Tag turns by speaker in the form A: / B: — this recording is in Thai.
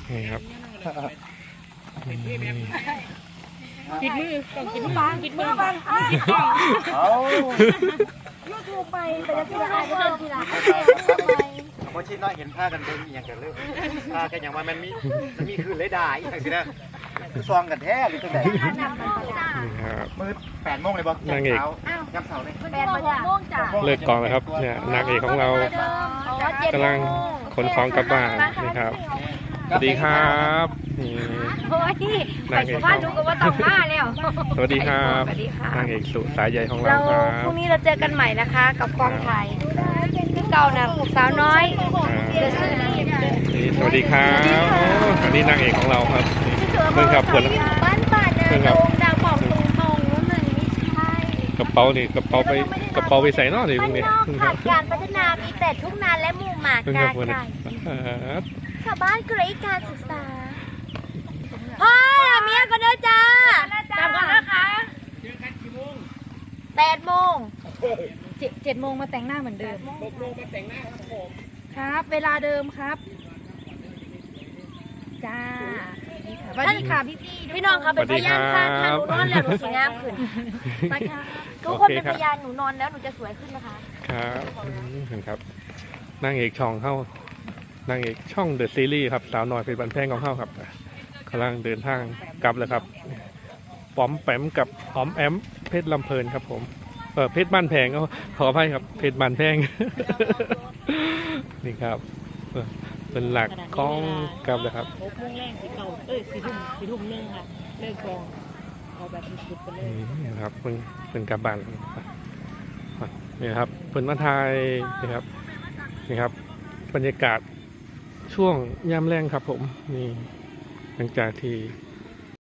A: นี่ครับ
B: ปิดมือต้องปิดมือปิดมือบัง
C: เอา
B: ยูทูบไปจะที่ละอายก็เดินทีละ
C: พอชิดน้อยเห็นผ้ากันเดินอย่างกันเลยผ้ากันอย่างว่ามันมีคือเลยด่าอีกอย่างสินะคือซองกันแท้หรือตัวไหนมืด8 โมงเลยบอกยามเสาร์เลย
B: 8 โมงจ้ะ
A: เลิกกองแล้วครับเนี่ยนางเอกของเรากำลังขนของกลับบ้านนะครับสวัสดีครับ
B: โอ้ยไปสุพรรณดูกันว่าต้องมาแล้ว
A: สวัสดีครับนางเอกสุสายใหญ่ของเราครับ
B: พรุ่งนี้เราเจอกันใหม่นะคะกับกองถ่ายที่เก่านะสาวน้อยเดอะซีรีส์
A: สวัสดีครับอันนี้นางเอกของเราครับเพื่อนครับเพื่อน
B: บ้านป่านาโด่งดังบอกตรงว่ามันไม่ใช่
A: กระเป๋านี่กระเป๋าไปใส่นอกนี่ตรงนี้
B: ขาดการพัฒนามีแต่ทุ่งนาและหมู่หมากการไก่ชาวบ้านไร้การศึกษาพ่อเมียก็เด้อจ้าจำกันนะคะเจอกันกี่โมง8 โมง7 โมงมาแต่งหน้าเหมือนเดิม6 โมงมาแต่งหน้าครับผมครับเวลาเดิมครับจ้าสวัสดีค่ะพี่น้องครับเป็นพยานค่ะถ้าหนูนอนแล้วหนูสวยงามขึ้นไปค่ะทุกคนเป็นพยานหนูนอนแล้วหนูจะสวยขึ้นนะคะ
A: ครับเห็นครับนางเอกช่องเข้านางเอกช่องเดอะซีรีส์ครับสาวน้อยเป็นบันแพงของเข้าครับกำลังเดินทางกลับแล้วครับป๋อมแปมกับหอมแอมเพชรลำเพลินครับผมเพชรบ้านแพงขออภัยครับเพชรบ้านแพงนี่ครับเป็นหลักกล้องกลับเลยครับ
B: 6 โมงแรก4 ทุ่มนึงค่ะเลิกกองเอาแบบสุดๆไปเลย
A: นี่ครับเป็นกลับบ้านนี่ครับเป็นมาไทยนี่ครับบรรยากาศช่วงยามแรงครับผมนี่หลังจากที่